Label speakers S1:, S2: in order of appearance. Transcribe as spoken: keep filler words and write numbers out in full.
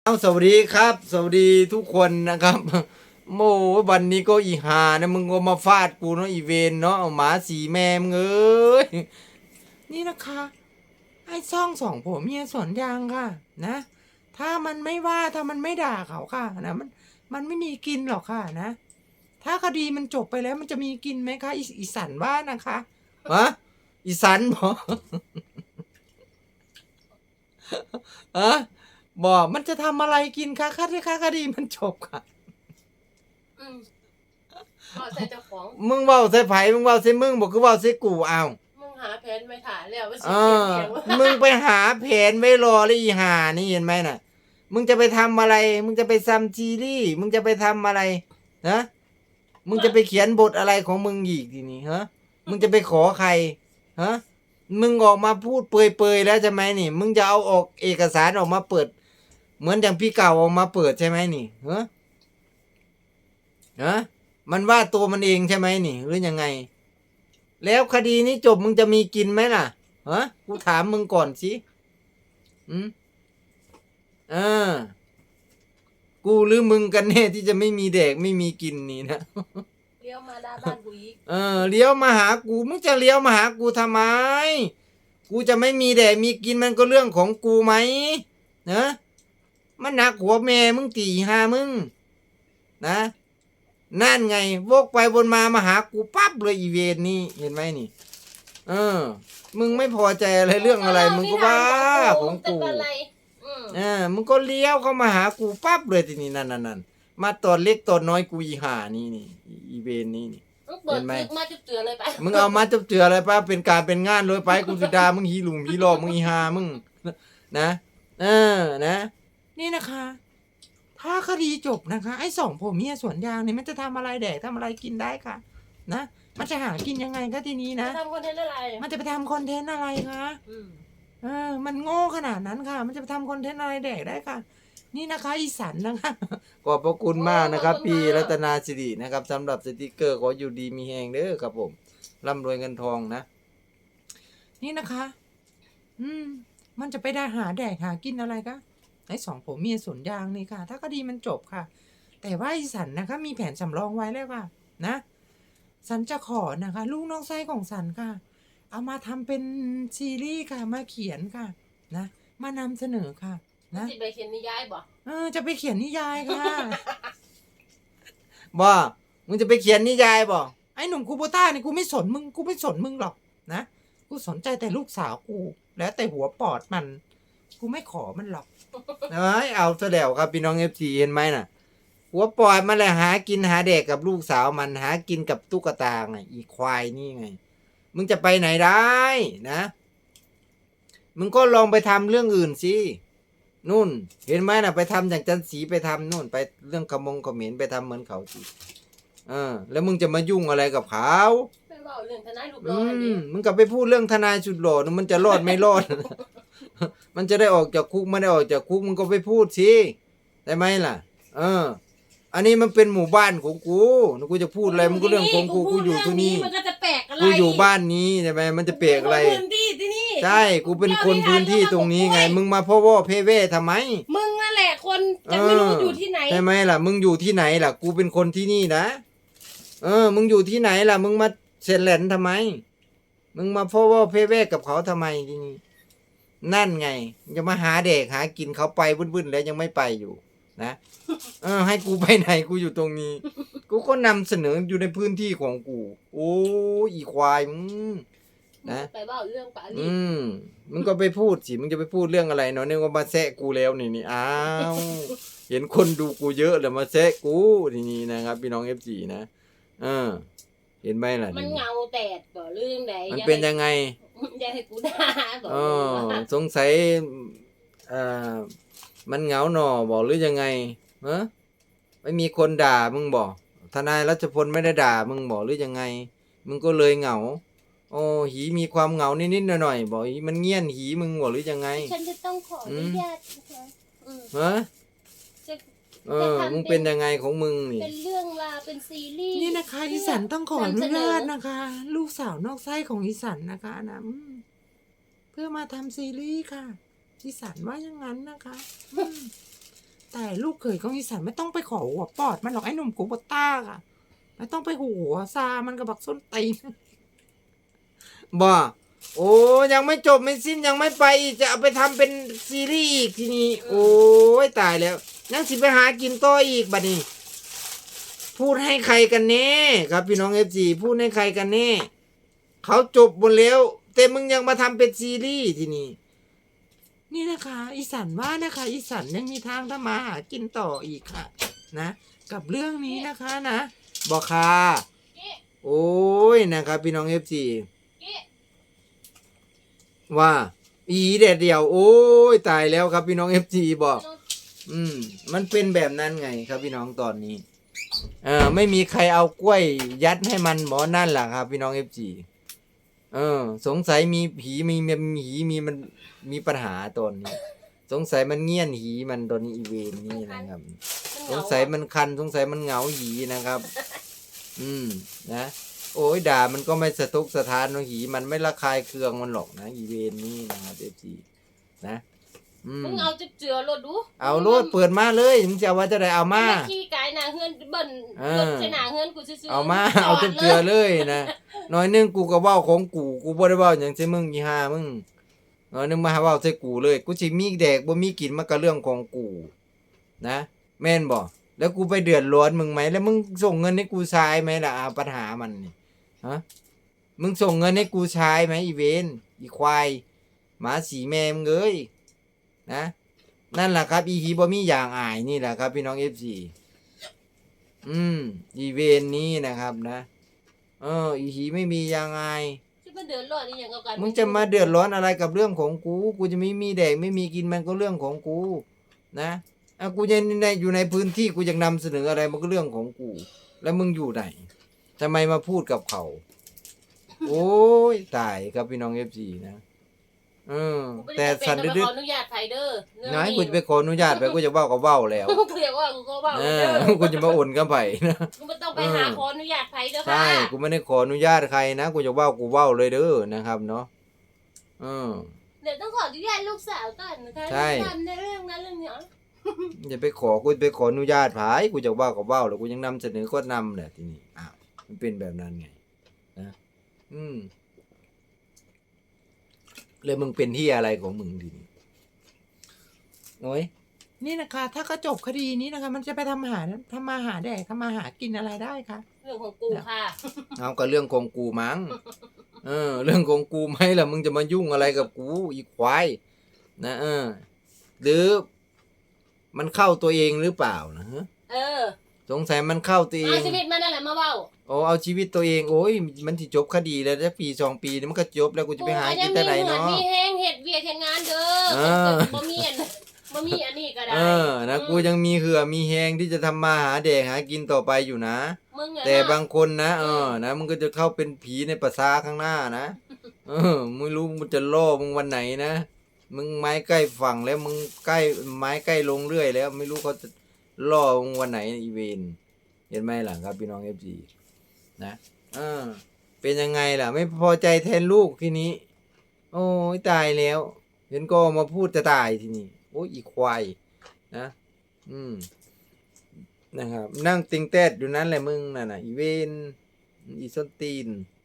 S1: เอาสวัสดีครับสวัสดีทุกคนนะครับโมวันนี้ก็อีหานะมึงก็มาฟาดกูเนาะอีเวนเนาะเอาหมาสีแม่มึงเอ้ยนี่นะคะไอ้ซ่องสองผมเมียสวนยางค่ะนะถ้ามันไม่ว่าถ้ามันไม่ด่าเขาค่ะนะมันมันไม่มีกินหรอกค่ะนะถ้าคดีมันจบไปแล้วมันจะมีกินไหมคะอีอีสันว่านะคะฮะอีสันบอกฮะบอกมันจะทำอะไรกินคะค่าที่ค่าคดีมันจบค่ะ
S2: อืมเอาใส่เจ้าของ
S1: มึงเว้าใส่ไผมึงเว้าใส่มึงบอกคือเว้าใส่กูเอา
S2: มึงหาแผนไม่ถ่ายแล้วว่าสิ
S1: เอ
S2: เขีย
S1: อน
S2: เขียนว่า
S1: มึงไปหาแผนไว้รอเลยอีห่านี่เห็นไหมน่ะ มึงจะไปทำอะไร มึงจะไปซัมซีรีส์มึงจะไปทำอะไรฮะมึงจะไปเขียนบทอะไรของมึงอีกทีนี้ฮะมึงจะไปขอใครฮะมึงออกมาพูดเปรยๆแล้วใช่ไหมนี่ มึงจะเอาออกเอกสารออกมาเปิด เหมือนอย่างพี่เก่าออกมาเปิดใช่ไหมนี่ฮะฮะมันว่าตัวมันเองใช่ไหมนี่หรือยังไง แล้วคดีนี้จบมึงจะมีกินไหมล่ะฮะกูถามมึงก่อนสิอืมเออกูหรือมึงกันแน่ที่จะไม่มีแดกไม่มีกินนี่นะ
S2: เลี้ยวมาด้านบ้านกูอีก
S1: เออเลี้ยวมาหากูมึงจะเลี้ยวมาหากูทำไม กูจะไม่มีแดกมีกินมันก็เรื่องของกูไหมนะมันหนักหัวแม่มึงตีหามึงนะนั่นไงวกไปวนมามาหากูปั๊บเลยอีเวนนี่เห็นไหมนี่ เออ มึงไม่พอใจอะไรเรื่องอะไร มึงก็ว่าของกู
S2: จะเป็นอะไรอืม
S1: เออมึงก็เลี้ยวเข้ามาหากูปั๊บเลยทีนี้นั่นนั่นนั่นมาตอนเล็กตอนน้อยกูอีห่านี่นี่อีเวนนี่นี่
S2: มึงเปิด
S1: เห็นไหม
S2: คลิปมาจุดเจือเลยไป
S1: มึงเอามาจับเจืออะไรป้าเป็นการเป็นงานเลยไปกูสุดามึงฮีหลุมฮีหลอกมึงอีหามึงนะเออนะ นี่นะคะ ถ้าคดีจบนะคะ ไอ้สองผมเมียสวนยางนี่มันจะทำอะไรแดกทำอะไรกินได้ค่ะ นะมันจะหากินยังไงก็ทีนี้นะ
S2: จะทำคอนเทนต์อะไร
S1: มันจะไปทำคอนเทนต์อะไรคะ
S2: อืม
S1: เออ มันโง่ขนาดนั้นค่ะ มันจะไปทำคอนเทนต์อะไรแดกได้ค่ะ นี่นะคะอีสันนะคะ ขอบพระคุณมากนะครับ พี่รัตนาสิรินะครับสำหรับสติกเกอร์ขออยู่ดีมีแหงเด้อครับผมร่ำรวยเงินทองนะ นี่นะคะ อืม มันจะไปได้หาแดกหากินอะไรคะไอ้สองผมเมียสวนยางนี่ค่ะ ถ้าคดีมันจบค่ะ แต่ว่าอีสันนะคะ มีแผนสำรองไว้แล้วค่ะ นะ สันจะขอนะคะ ลูกน้องไส้ของสันค่ะ เอามาทำเป็นซีรีส์ค่ะ มาเขียนค่ะ นะ มานำเสนอค่ะ นะ
S2: สิไปเขียนนิยายบ่
S1: เออ จะไปเขียนนิยายค่ะ บ่มึงจะไปเขียนนิยายบ่ไอ้หนุ่มคูโบต้านี่กูไม่สนมึง กูไม่สนมึงหรอกนะ กูสนใจแต่ลูกสาวกู แล้วแต่หัวปอดมัน กูไม่ขอมันหรอก เอ้ยเอาซะแล้วครับพี่น้องเอฟซีเห็นไหมน่ะ หัวปอดมันแหละหากินหาเด็กกับลูกสาวมันหากินกับตุ๊กตาไงอีควายนี่ไง มึงจะไปไหนได้นะ มึงก็ลองไปทำเรื่องอื่นสินู่น เห็นไหมน่ะ ไปทำอย่างจันสีไปทำนู่น ไปเรื่องขมงเขมรไปทำเหมือนเขาสิเออ แล้วมึงจะมายุ่งอะไรกับเขา
S2: ไปเล่าเรื่องทนายลูก
S1: อื
S2: ร้อนดิ
S1: มมึงกลับไปพูดเรื่องทนายสุดหล่อนะมันจะรอดไม่รอด มันจะได้ออกจากคุกไม่ได้ออกจากคุกมึงก็ไปพูดสิได้ไหมล่ะ เออ อันนี้มันเป็นหมู่บ้านของกูกูจะพูดอะไรมันก็เรื่องของกูกูอยู่ที่นี่
S2: มันก็จะแปลกอะไร
S1: กูอยู่บ้านนี้ใช่ไหมมันจะเปลกอะไร
S2: กูเป็นคนพื้นที่ที่นี่
S1: ใช่กูเป็นคนพื้นที่ตรงนี้ไง มึงมาพ่อว่าเพเว่ทำไม
S2: มึงนั่นแหละคนจะไม่รู้อยู่ที่ไหน
S1: ใช่ไหมล่ะ มึงอยู่ที่ไหนล่ะ กูเป็นคนที่นี่นะ เออ มึงอยู่ที่ไหนล่ะ มึงมาเซนแหลนทำไม มึงมาพ่อว่าเพเว่กับเขาทำไมที่นี่ นั่นไงจะมาหาเด็กหากินเขาไปวุ่นๆแล้วยังไม่ไปอยู่ นะ เออ ให้กูไปไหนกูอยู่ตรงนี้ กูก็นำเสนออยู่ในพื้นที่ของกู โอ้อีควายมึง นะ
S2: ไปเล่าเรื่องปาลี
S1: อืม มึงก็ไปพูดสิ มึงจะไปพูดเรื่องอะไรเนาะเนี่ยก็มาแซะกูแล้วนี่นี่อ้าว เห็นคนดูกูเยอะแล้วมาแซะกูทีนี้นะครับพี่น้องเอฟซีนะเออ เห็นไหมล่ะ
S2: มันเงาแตดบ่เรื่องไหน
S1: มันเป็นยังไง
S2: อย่าให้กูด่าบ่
S1: อ๋อสงสัยเอ่อมันเหงาหนอบอกหรือยังไงฮะไม่มีคนด่ามึงบอกทนายรัชพลไม่ได้ด่ามึงบอกหรือยังไง มึงก็เลยเหงาโอ้หีมีความเหงานิดๆหน่อยๆบอกหีมันเงียนหีมึงบอกหรือยังไง
S2: ฉันจะต้องขออนุญาตนะคะอืม
S1: ฮะ
S2: จะ
S1: เออ มึงเป็นยังไงของมึงนี่
S2: เป็นเรื่องราวเป็นซีรีส์
S1: นี่นะคะอีสันต้องขออนุญาตนะคะ ลูกสาวนอกไส้ของอีสันนะคะนะอืมเพื่อมาทำซีรีส์ค่ะอีสันว่าอย่างนั้นนะคะอืมแต่ลูกเขยของอีสันไม่ต้องไปขอหัวปอดมันหรอกไอ้หนุ่มกูบต้าอะไม่ต้องไปหัวซามันกับบักส้นตีนบ่โอ้ยังไม่จบไม่สิ้นยังไม่ไปอีกจะเอาไปทำเป็นซีรีส์อีกทีนี้โอ้ยตายแล้วยังสิไปหากินต่ออีกบัดนี้ พูดให้ใครกันแน่ครับพี่น้องเอฟซีพูดให้ใครกันแน่เขาจบหมดแล้วแต่มึงยังมาทำเป็นซีรีส์ทีนี้นี่นะคะอีสันว่านะคะอีสันยังมีทางทำมาหากินต่ออีกค่ะนะกับเรื่องนี้นะคะนะบอกค่ะโอ้ยนะครับพี่น้องเอฟซีว่าอีเด็ดเดียวโอ้ยตายแล้วครับพี่น้องเอฟซีบอกอืมมันเป็นแบบนั้นไงครับพี่น้องตอนนี้เออไม่มีใครเอากล้วยยัดให้มันหมอนั่นแหละครับพี่น้องเอฟซีเออสงสัยมีผีมีมีหีมีมันมีปัญหาตอนนี้สงสัยมันเงี่ยนหีมันตอนนี้อีเวนนี่นะครับสงสัยมันคันสงสัยมันเหงาหีนะครับ อืมนะโอ้ยด่ามันก็ไม่สะทกสะท้านหรอกหีมันไม่ระคายเคืองมันหรอกนะอีเวนนี่นะครับเอฟซีนะอืม
S2: มึงเอาจะเจือรถดู
S1: เอาโลดเปิดมาเลยมึงจะเอาว่าจะได้เอามา
S2: มาขี้กายหนาเฮือนเบิ่น
S1: เออ
S2: รถใส่หนาเฮือนกูซื่อๆ
S1: เอามา
S2: จ
S1: เอา
S2: ด
S1: เต็มเกลือเลยนะน้อยหนึงกูก็เว้าของกูกูบ่ได้เว้าหยังใส่มึงอีห่ามึงน้อยหนึงมาหาเว้าใส่กูเลยกูสิมีแดกบ่มีกินมันก็เรื่องของกูนะแม่นบ่แล้วกูไปเดือดร้อนมึงไหมแล้วมึงส่งเงินให้กูใช้ไหมล่ะอ่าปัญหามันนี่ฮะมึงส่งเงินให้กูใช้ไหมอีเวนอีควายหมาสีแม่มึงเอ้ยนะนั่นแหละครับอีหีบ่มีอย่างอายนี่แหละครับพี่น้อง เอฟ ซี อืมอีเวนนี้นะครับนะเอออีหีไม่มีอย่างอาย
S2: จะมาเดือดร้อนอีหยังกับกัน
S1: มึงจะมาเดือดร้อนอะไรกับเรื่องของกู กูจะไม่มีแดกไม่มีกินมันก็เรื่องของกู นะอ่ะกูยังในอยู่ในพื้นที่กูยังนำเสนออะไรมันก็เรื่องของกู แล้วมึงอยู่ไหนทำไมมาพูดกับเขา โอ้ยตายครับพี่น้อง เอฟ ซี นะเออแต่สัน
S2: ดึ
S1: ดึ
S2: ก
S1: ก
S2: ขออนุญาตไผเด้อเรื่อง
S1: น้อยกูจะไปขออนุญาตไปกูจะเว้าก็เว้าแล้ว
S2: กูเรียกว่ากูก็เว้า
S1: เอ
S2: เด้
S1: อ
S2: อ
S1: กูจะมาโอนกับไผนะ
S2: กูบ่ต้องไปหาขออนุญาตไผเด้อค่ะ
S1: ใช่กูไม่ได้ขออนุญาตใครนะกูจะเว้ากูเว้าเลยเด้อนะครับเนาะเออ
S2: เดี๋ยวต้องขออนุญาตลูกสาวก่อนนะคะ
S1: ใช่
S2: ทำในเรื่องนั้นเรื่องนี้
S1: อย่าไปขอกูไปขออนุญาตไผกูจะเว้าก็เว้าแล้วกูยังนำเสนอก็นำแหละทีนี้อ้าวมันเป็นแบบนั้นไงนะอืมเลยมึงเป็นที่อะไรของมึงทีนี้โอ้ยนี่นะคะถ้าก็จบคดีนี้นะคะ มันจะไปทำหาทำมาหาแดกทำมาหากินอะไรได้คะ
S2: เรื่องของกูค่ะ
S1: เอาก็เรื่องของกูมั้งเออ เรื่องของกูไหมล่ะมึงจะมายุ่งอะไรกับกูอีควายนะเออหรือมันเข้าตัวเองหรือเปล่านะฮะ
S2: เออ
S1: สงสัยมันเข้าตัวเอ
S2: เอา
S1: ง
S2: ชีวิตมันนั่นแหละมาเว้า
S1: โอ้เอาชีวิตตัวเองโอ้ยมันที่จบคดีแล้วจะปีสองปีนี่มันก็จบแล้วกูจะไปหากินแต่ไหน
S2: กูก็
S1: เนาะ
S2: ยังมีเหงื่อมีแห้งเฮ็ดเวียกเฮ็ดงานเด้อ
S1: เออ
S2: บ่มีอันบ่มีอันนี้ก็ได้
S1: เออนะกูยังมีเหือมีแหงที่จะทำมาหาแดกหากินต่อไปอยู่นะ
S2: มึงอะ
S1: แต่
S2: นะ
S1: บางคนนะเออนะมึงก็จะเข้าเป็นผีในภาษาข้างหน้านะเออไม่รู้มึงจะล่อมึงวันไหนนะมึงไม้ใกล้ฝั่งแล้วมึงใกล้ไม้ใกล้ลงเรื่อยแล้ว ไม่รู้เขาจะล่อมึงวันไหนอีเวนเห็นไหมล่ะครับพี่น้องเอฟซีนะเออเป็นยังไงล่ะ ไม่พอใจแทนลูกทีนี้ โอ้ยตายแล้ว เห็นก็มาพูดจะตายทีนี้โอ้ยอีควายนะอืมนะครับนั่งติงแตดอยู่นั้นแหละมึงน่ะนะอีเวนอีส้นตีน